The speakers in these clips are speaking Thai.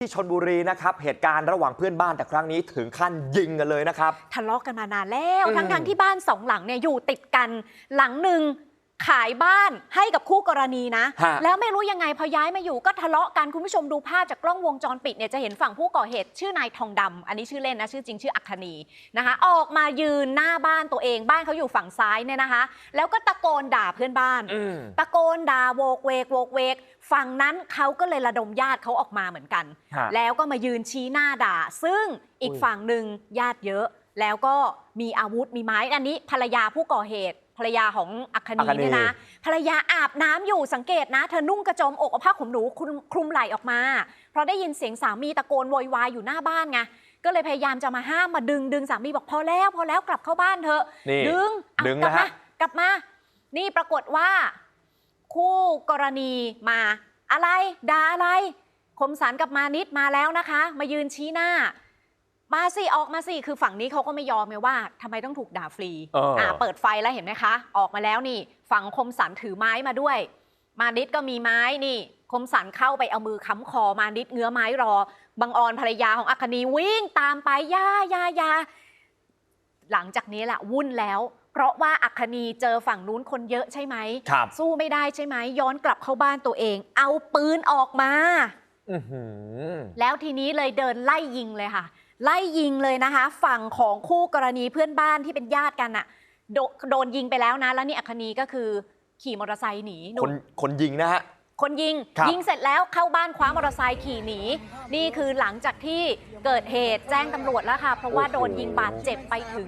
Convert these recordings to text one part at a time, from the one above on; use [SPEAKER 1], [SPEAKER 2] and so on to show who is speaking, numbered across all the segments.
[SPEAKER 1] ที่ชลบุรีนะครับเหตุการณ์ระหว่างเพื่อนบ้านแต่ครั้งนี้ถึงขั้นยิงกันเลยนะครับ
[SPEAKER 2] ทะเลาะกันมานานแล้วทั้งที่บ้านสองหลังเนี่ยอยู่ติดกันหลังหนึ่งขายบ้านให้กับคู่กรณีนะแล้วไม่รู้ยังไงพอย้ายมาอยู่ก็ทะเลาะกันคุณผู้ชมดูภาพจากกล้องวงจรปิดเนี่ยจะเห็นฝั่งผู้ก่อเหตุชื่อนายทองดำอันนี้ชื่อเล่นนะชื่อจริงชื่ออัคคณีนะคะออกมายืนหน้าบ้านตัวเองบ้านเขาอยู่ฝั่งซ้ายเนี่ยนะคะแล้วก็ตะโกนด่าเพื่อนบ้านตะโกนด่าโวกเวกโวกเวกฝั่งนั้นเขาก็เลยระดมญาติเขาออกมาเหมือนกันแล้วก็มายืนชี้หน้าด่าซึ่งอีกฝั่งหนึ่งญาติเยอะแล้วก็มีอาวุธมีไม้อันนี้ภรรยาผู้ก่อเหตุภรรยาของอัคคณีเนี่ยนะภรรยาอาบน้ำอยู่สังเกตนะเธอนุ่งกระโจมอกเอาผ้าขนหนูคลุมไหล่ออกมาเพราะได้ยินเสียงสามีตะโกนโวยวายอยู่หน้าบ้านไงก็เลยพยายามจะมาห้ามมาดึงสามีบอกพอแล้วกลับเข้าบ้านเถอะดึงกลับมานี่ปรากฏว่าคู่กรณีมาอะไรด่าอะไรคมสันกับมานิดมาแล้วนะคะมายืนชี้หน้ามาสิออกมาสิคือฝั่งนี้เขาก็ไม่ยอมไงว่าทำไมต้องถูกด่าฟรีเปิดไฟแล้วเห็นไหมคะออกมาแล้วนี่ฝั่งคมสันถือไม้มาด้วยมานิดก็มีไม้นี่คมสันเข้าไปเอามือค้ำคอมานิดเงื้อไม้รอบังออนภรรยาของอัคคณีวิ่งตามไปยาหลังจากนี้แหละวุ่นแล้วเพราะว่าอัคคณีเจอฝั่งนู้นคนเยอะใช่ไหมสู้ไม่ได้ใช่ไหมย้อนกลับเข้าบ้านตัวเองเอาปืนออกมาแล้วทีนี้เลยเดินไล่ยิงเลยค่ะไล่ยิงเลยนะคะฝั่งของคู่กรณีเพื่อนบ้านที่เป็นญาติกันน่ะโดนยิงไปแล้วนะแล้วนี่อัคคณีก็คือขี่มอเตอร์ไซค์หนี
[SPEAKER 1] คนยิงนะฮะ
[SPEAKER 2] คนยิงเสร็จแล้วเข้าบ้านคว้ามอเตอร์ไซค์ขี่หนีนี่คือหลังจากที่เกิดเหตุแจ้งตำรวจแล้วค่ะเพราะว่าโดนยิงบาดเจ็บไปถึง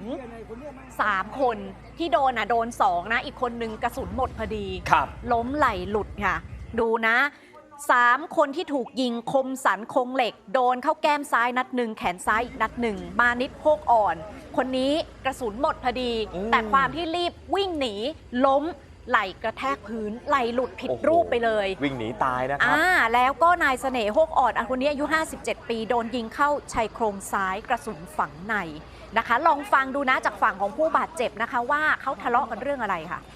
[SPEAKER 2] 3คนที่โดนโดน2นะอีกคนนึงกระสุนหมดพอดีล้มไหลหลุดค่ะดูนะ3คนที่ถูกยิงคมสันคงเหล็กโดนเข้าแก้มซ้ายนัดหนึ่งแขนซ้ายอีกนัดหนึ่งมานิดโพกอ่อนคนนี้กระสุนหมดพอดีแต่ความที่รีบวิ่งหนีล้มไหลกระแทกพื้นไหลหลุดผิดรูปไปเลย
[SPEAKER 1] วิ่งหนีตายนะครับ
[SPEAKER 2] แล้วก็นายเสน่ห์โฮกอ่อนคนนี้อายุ57ปีโดนยิงเข้าชายโครงซ้ายกระสุนฝังในนะคะลองฟังดูนะจากฝั่งของผู้บาดเจ็บนะคะว่าเขาทะเลาะกันเรื่องอะไรค่ะ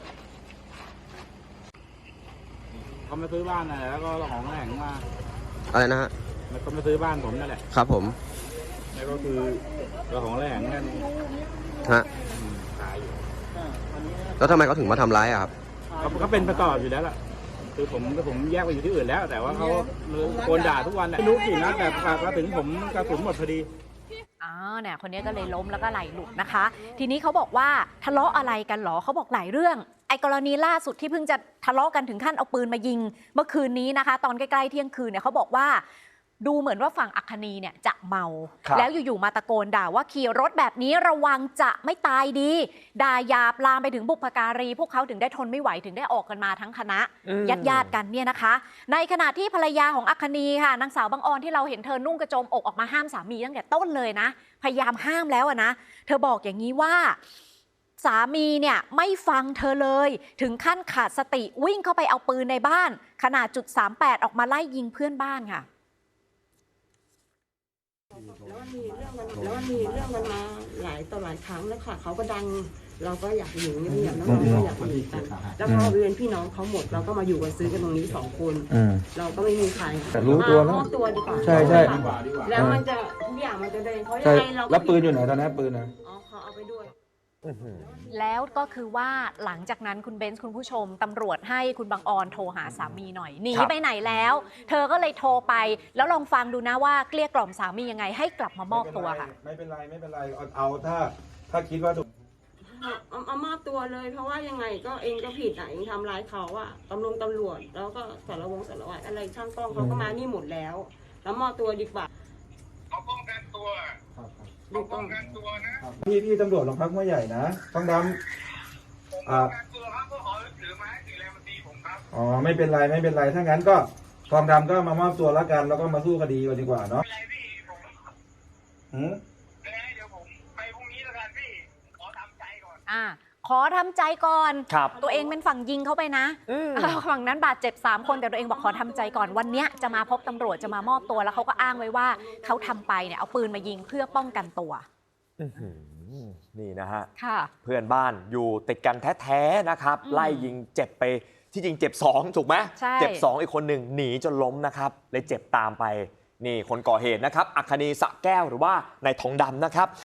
[SPEAKER 3] เขามาซื้อบ้านอะไรแล้วก็ของแหล่งมา
[SPEAKER 4] อะไรนะฮะ
[SPEAKER 3] มันก็มาซื้อบ้านผมนั่นแหละ
[SPEAKER 4] ครับผม
[SPEAKER 3] แล้วก็คือเราของแหล่งนั่น
[SPEAKER 4] ฮะ
[SPEAKER 3] ขายอยู่
[SPEAKER 4] แล้วทำไมเขาถึงมาทำร้ายอะครับ
[SPEAKER 3] เขาเป็นประกอบอยู่แล้วล่ะคือผมแยกไปอยู่ที่อื่นแล้วแต่ว่าเขาโกนด่าทุกวันไม่รู้กี่นัดแต่มาถึงผมกระสุนหมดพอดี
[SPEAKER 2] เนี่ยคนนี้ก็เลยล้มแล้วก็ไหลหลุดนะคะทีนี้เขาบอกว่าทะเลาะอะไรกันหรอเขาบอกหลายเรื่องไอ้กรณีล่าสุดที่เพิ่งจะทะเลาะกันถึงขั้นเอาปืนมายิงเมื่อคืนนี้นะคะตอนใกล้ๆเที่ยงคืนเนี่ยเขาบอกว่าดูเหมือนว่าฝั่งอัคคณีเนี่ยจะเมาแล้วอยู่ๆมาตะโกนด่าว่าขี่รถแบบนี้ระวังจะไม่ตายดีด่าหยาบลามไปถึงบุพการีพวกเขาถึงได้ทนไม่ไหวถึงได้ออกกันมาทั้งคณะญาติกันเนี่ยนะคะในขณะที่ภรรยาของอัคคณีค่ะนางสาวบังออนที่เราเห็นเธอนุ่งกระโจมอกออกมาห้ามสามีตั้งแต่ต้นเลยนะพยายามห้ามแล้วนะเธอบอกอย่างนี้ว่าสามีเนี่ยไม่ฟังเธอเลยถึงขั้นขาดสติวิ่งเข้าไปเอาปืนในบ้านขนาด.38ออกมาไล่ยิงเพื่อนบ้านค่ะ
[SPEAKER 5] แล้วมันมีเรื่องกันมาหลายต่อหลายครั้งแล้วค่ะเขาก็ดังเราก็อยากอยู่เงียบๆแล้วเราก็อยากอยู่กันแล้วพอเป็นพี่น้องเขาหมดเราก็มาอยู่กันซื้อกันตรงนี้2 คนเราก็ไม่มีใคร
[SPEAKER 4] แต่รู้ตัว
[SPEAKER 5] มอบตัวดีกว่า
[SPEAKER 4] ใช่
[SPEAKER 5] แล้วมันจะทุกอย่างมันจะเดินเพราะ
[SPEAKER 4] ยังไงเราแล้วปืนอยู่ไหนตอนนี้ปืนนะ
[SPEAKER 5] เขาเอาไปด้วย
[SPEAKER 2] แล้วก็คือว่าหลังจากนั้นคุณเบนซ์คุณผู้ชมตำรวจให้คุณบังออนโทรหาสามีหน่อยหนีไปไหนแล้วเธอก็เลยโทรไปแล้วลองฟังดูนะว่าเกลี้ยกล่อมสามียังไงให้กลับมามอบตัวค่ะ
[SPEAKER 6] ไม่เป็นไรเอาถ้าคิดว่าถูก
[SPEAKER 5] เอามอบตัวเลยเพราะว่ายังไงก็เองก็ผิดเองทำร้ายเขาอะตำรวจแล้วก็สารวัตรอะไรช่างกล้องเขาก็มานี่หมดแล้วมอบตัวดีกว่า
[SPEAKER 7] เขาป้องกันตัว
[SPEAKER 5] เขาป้องกัน
[SPEAKER 7] ตัวนะ
[SPEAKER 6] พี่ตำรวจโรงพักหัวใหญ่นะต้องดำ
[SPEAKER 7] ตัวครับก็ขอถือไม้ตีแรงมันตีผมครับ
[SPEAKER 6] อ๋อไม่เป็นไรถ้างั้นก็ทองดำก็มามอบตัวแล้วกันแล้วก็มาสู้คดีกันดีกว่าเนาะ
[SPEAKER 7] ไม่เป็นไรพี่ผมเดี๋ยวผมไปพรุ่งนี้แล้วกันพี่ขอทำใจก่อน
[SPEAKER 2] ขอทำใจก่อนตัวเองเป็นฝั่งยิงเข้าไปนะฝั่งนั้นบาดเจ็บ3 คนแต่ตัวเองบอกขอทำใจก่อนวันนี้จะมาพบตำรวจจะมามอบตัวแล้วเขาก็อ้างไว้ว่าเขาทำไปเนี่ยเอาปืนมายิงเพื่อป้องกันตัว
[SPEAKER 1] นี่นะฮะเพื่อนบ้านอยู่ติดกันแท้ๆนะครับไล่ยิงเจ็บไปที่จริงเจ็บ2ถูกไหมเจ็บ2อีกคนหนึ่งหนีจนล้มนะครับเลยเจ็บตามไปนี่คนก่อเหตุนะครับอัคคณีสะแก้วหรือว่านายทองดำนะครับ